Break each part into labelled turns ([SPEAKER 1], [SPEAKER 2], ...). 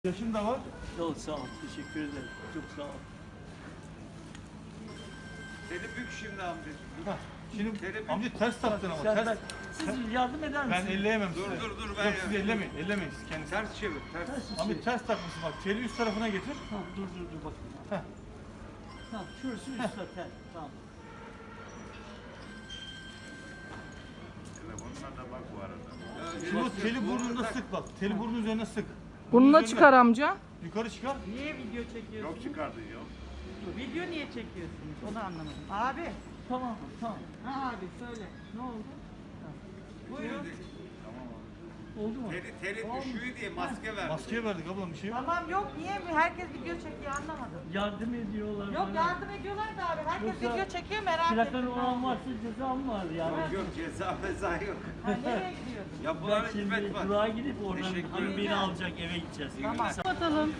[SPEAKER 1] Yaşım da var.
[SPEAKER 2] Yok sağ ol. Teşekkür ederim. Çok sağ ol.
[SPEAKER 3] Seni bük şimdi amca.
[SPEAKER 1] Hah, şimdi
[SPEAKER 3] Tele-
[SPEAKER 1] amca ters taktın ama
[SPEAKER 2] Sen
[SPEAKER 1] ters.
[SPEAKER 2] bak, siz yardım eder
[SPEAKER 1] Ben
[SPEAKER 2] misiniz?
[SPEAKER 1] elleyemem size.
[SPEAKER 3] Dur, ben
[SPEAKER 1] Yok siz
[SPEAKER 3] yapayım.
[SPEAKER 1] ellemeyin, ellemeyin siz kendiniz.
[SPEAKER 3] Ters çevir, ters.
[SPEAKER 2] Ters
[SPEAKER 1] Amca
[SPEAKER 2] şey.
[SPEAKER 1] ters takmışsın bak, teli üst tarafına getir.
[SPEAKER 2] Tamam dur bakayım.
[SPEAKER 1] Heh.
[SPEAKER 2] Tamam şurası üst zaten. Tamam.
[SPEAKER 3] Telefonuna da bak bu arada.
[SPEAKER 1] Şimdi o teli burnunda sık bak, teli burnun üzerine sık.
[SPEAKER 4] Burnuna
[SPEAKER 1] Üzerine-
[SPEAKER 4] çıkar amca.
[SPEAKER 1] Yukarı çıkar.
[SPEAKER 5] Niye video çekiyorsunuz?
[SPEAKER 3] Yok çıkardın yok.
[SPEAKER 5] Video niye çekiyorsunuz? Onu anlamadım. Abi.
[SPEAKER 2] Tamam tamam.
[SPEAKER 5] Ha abi söyle. Ne oldu? Buyurun.
[SPEAKER 2] Oldu mu?
[SPEAKER 3] Teli düşüyor diye maske ver.
[SPEAKER 1] Maskeye verdik ablam bir şey yok.
[SPEAKER 5] Tamam yok niye mi? Herkes video çekiyor anlamadım.
[SPEAKER 2] Yardım ediyorlar
[SPEAKER 5] Yok
[SPEAKER 2] bana.
[SPEAKER 5] yardım ediyorlar da abi. Herkes
[SPEAKER 2] Yoksa
[SPEAKER 5] video çekiyor merak ettim.
[SPEAKER 2] Plakanı olan varsa cezam var yani.
[SPEAKER 3] Yok ceza meza yok.
[SPEAKER 5] Ha, nereye gidiyorsun?
[SPEAKER 2] Ben
[SPEAKER 3] Yapılan
[SPEAKER 2] şimdi
[SPEAKER 3] hizmet var.
[SPEAKER 2] durağa gidip oradan
[SPEAKER 3] Teşekkür
[SPEAKER 2] hanım beni
[SPEAKER 5] ederim.
[SPEAKER 2] alacak eve gideceğiz.
[SPEAKER 5] Tamam.
[SPEAKER 4] Kapatalım.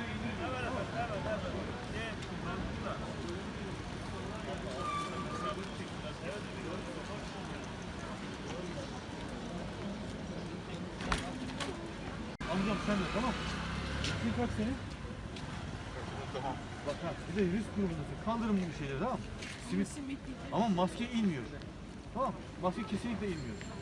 [SPEAKER 1] Amcam sen de tamam. Bir kaç senin? Tamam. Bak ha, bir de risk grubundasın. Kaldırın bu şeyleri tamam mı? Simit. Ama maske inmiyor. Tamam. Maske kesinlikle inmiyor.